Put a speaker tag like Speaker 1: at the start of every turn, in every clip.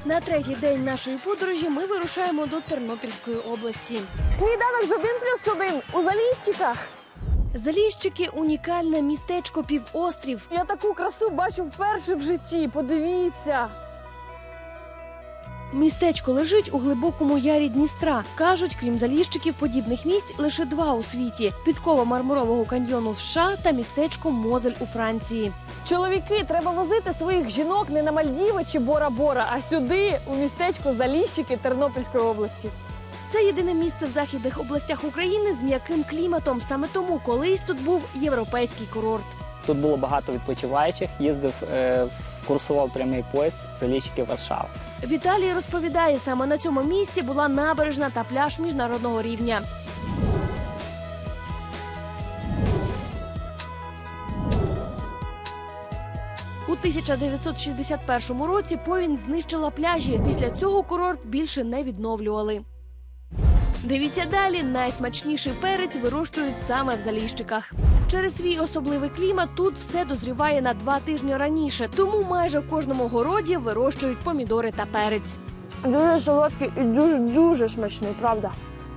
Speaker 1: На третій день нашої подорожі ми вирушаємо до Тернопільської області.
Speaker 2: Сніданок з 1+1 у Заліщиках.
Speaker 1: Заліщики – унікальне містечко півострів.
Speaker 2: Я таку красу бачу вперше в житті, подивіться.
Speaker 1: Містечко лежить у глибокому ярі Дністра. Кажуть, крім Заліщиків, подібних місць лише два у світі – підкова Мармурового каньйону в США та містечко Мозель у Франції.
Speaker 2: Чоловіки, треба возити своїх жінок не на Мальдіви чи Бора-Бора, а сюди, у містечко Заліщики Тернопільської області.
Speaker 1: Це єдине місце в західних областях України з м'яким кліматом. Саме тому колись тут був європейський курорт.
Speaker 3: Тут було багато відпочиваючих, курсував прямий поїзд Заліщики-Варшава.
Speaker 1: Віталій розповідає, саме на цьому місці була набережна та пляж міжнародного рівня. У 1961 році повінь знищила пляжі. Після цього курорт більше не відновлювали. Дивіться далі, найсмачніший перець вирощують саме в Заліщиках. Через свій особливий клімат тут все дозріває на 2 тижні раніше, тому майже в кожному городі вирощують помідори та перець.
Speaker 2: Дуже солодкий і дуже смачний, правда?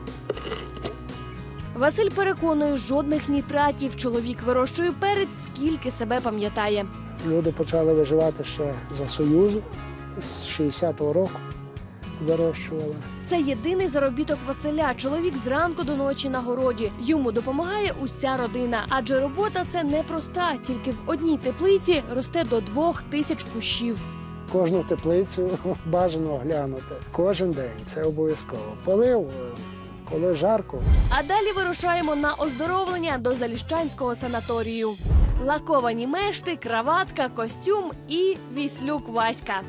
Speaker 1: Василь переконує, жодних нітратів. Чоловік вирощує перець, скільки себе пам'ятає.
Speaker 4: Люди почали виживати ще за Союзу, з 60-го року вирощували.
Speaker 1: Це єдиний заробіток Василя. Чоловік зранку до ночі на городі. Йому допомагає уся родина. Адже робота це непроста. Тільки в одній теплиці росте до 2000 кущів.
Speaker 4: Кожну теплицю бажано оглянути. Кожен день це обов'язково. Полив, коли жарко.
Speaker 1: А далі вирушаємо на оздоровлення до Заліщанського санаторію. Лаковані мешти, краватка, костюм і віслюк Васька.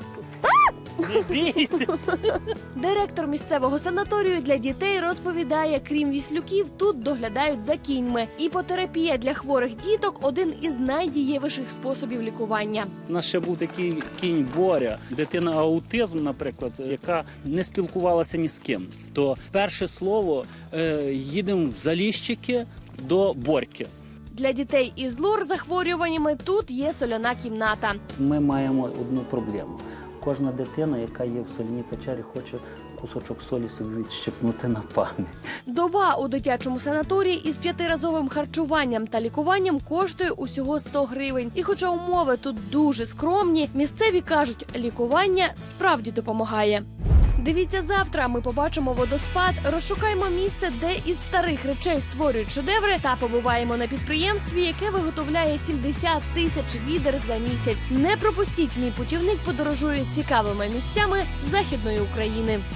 Speaker 1: Директор місцевого санаторію для дітей розповідає, крім віслюків, тут доглядають за кіньми. Іпотерапія для хворих діток – один із найдієвіших способів лікування.
Speaker 5: У нас ще був такий кінь Боря, дитина аутизм, наприклад, яка не спілкувалася ні з ким. То перше слово їдемо в Заліщики до Борьки.
Speaker 1: Для дітей із лор-захворюваннями тут є соляна кімната.
Speaker 5: Ми маємо одну проблему. Кожна дитина, яка є в соляній печері, хоче кусочок солі собі відщепнути на пам'ять.
Speaker 1: Доба у дитячому санаторії із 5-разовим харчуванням та лікуванням коштує усього 100 гривень. І хоча умови тут дуже скромні, місцеві кажуть, лікування справді допомагає. Дивіться завтра, ми побачимо водоспад, розшукаємо місце, де із старих речей створюють шедеври та побуваємо на підприємстві, яке виготовляє 70 тисяч відер за місяць. Не пропустіть, мій путівник подорожує цікавими місцями Західної України.